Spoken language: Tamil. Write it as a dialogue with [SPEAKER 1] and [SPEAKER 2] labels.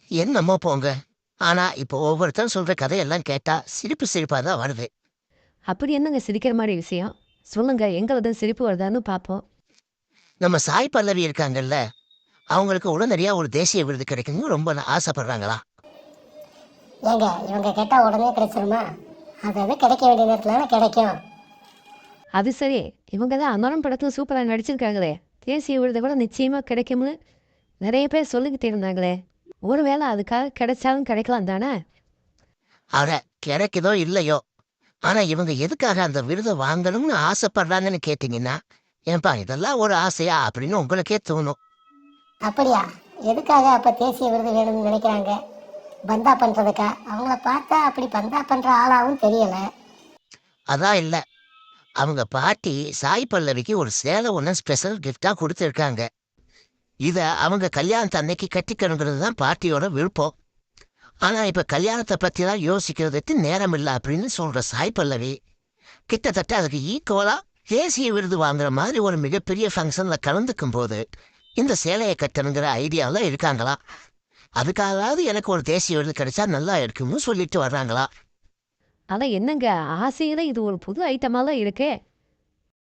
[SPEAKER 1] என்னமோ போங்க. ஆனா இப்போ ஒவ்வொருத்தரும் சொல்ற கதையெல்லாம் கேட்டா சிரிப்பு சிரிப்பா தான் வருது.
[SPEAKER 2] அப்படி என்னங்க சிரிக்கிற மாரி விஷயம்? சொல்லுங்க, எங்க சிரிப்பு வருதான்னு பார்ப்போம்.
[SPEAKER 1] நம்ம சாய் பல்லவி இருக்காங்கல்ல, அவங்களுக்கு உடனடியா ஒரு தேசிய விருது கிடைக்கணும்னு ரொம்ப ஆசைப்படுறாங்களா?
[SPEAKER 3] ஏங்க இவங்க கேட்டால் உடனே கிடைச்சிருமா? அது அது கிடைக்க வேண்டிய நேரத்தில் கிடைக்கும்.
[SPEAKER 2] அது சரி, இவங்க தான் அமரன் படத்துல சூப்பரா நடிச்சிருக்காங்களே! தேசிய விருது கூட நிச்சயமா கிடைக்கும்னு நெறைய பேர் சொல்லிக்கிட்டு இருந்தாங்களே! ஒருவேளை அதுக்காக கிடைச்சாலும் கிடைக்கலாம் தானே?
[SPEAKER 1] அட கிடைக்குதோ இல்லையோ, ஆனா இவங்க எதுக்காக அந்த விருதை வாங்கணும்னு ஆசைப்படுறாங்கன்னு கேட்டீங்கன்னா, ஏன்பா இதெல்லாம் ஒரு ஆசையா அப்படின்னு உங்களுக்கே தோணும்.
[SPEAKER 3] அப்படியா? எதுக்காக அப்போ தேசிய விருது வேணும்னு நினைக்கிறாங்க? பந்தா பண்ணுறதுக்கா? அவங்கள பார்த்தா அப்படி பந்தா பண்ணுற ஆளாகவும் தெரியலை.
[SPEAKER 1] அதான் இல்ல. அவங்க பாட்டி சாய் பல்லவிக்கு ஒரு சேலை ஒண்ணு ஸ்பெஷல் கிஃப்ட்டா குடுத்திருக்காங்க. இத அவங்க கல்யாணத்து அன்னைக்கு கட்டிக்கணுங்கிறது தான் பாட்டியோட விருப்பம். ஆனா இப்ப கல்யாணத்த பத்திலாம் யோசிக்கிறதுக்கு நேரம் இல்ல அப்படின்னு சொல்ற சாய் பல்லவி, கிட்டத்தட்ட அதுக்கு ஈக்குவலா தேசிய விருது வாங்குற மாதிரி ஒரு மிகப்பெரிய ஃபங்ஷன்ல கலந்துக்கும் போது, இந்த சேலைய கட்டணுங்கிற ஐடியால இருக்காங்களாம். அதுக்காகவாவது எனக்கு ஒரு தேசிய விருது கிடைச்சா நல்லா இருக்கும்னு சொல்லிட்டு வர்றாங்களாம்.
[SPEAKER 2] ஆனா என்னங்க, ஆசையில இது ஒரு புது ஐட்டமாலாம் இருக்கே!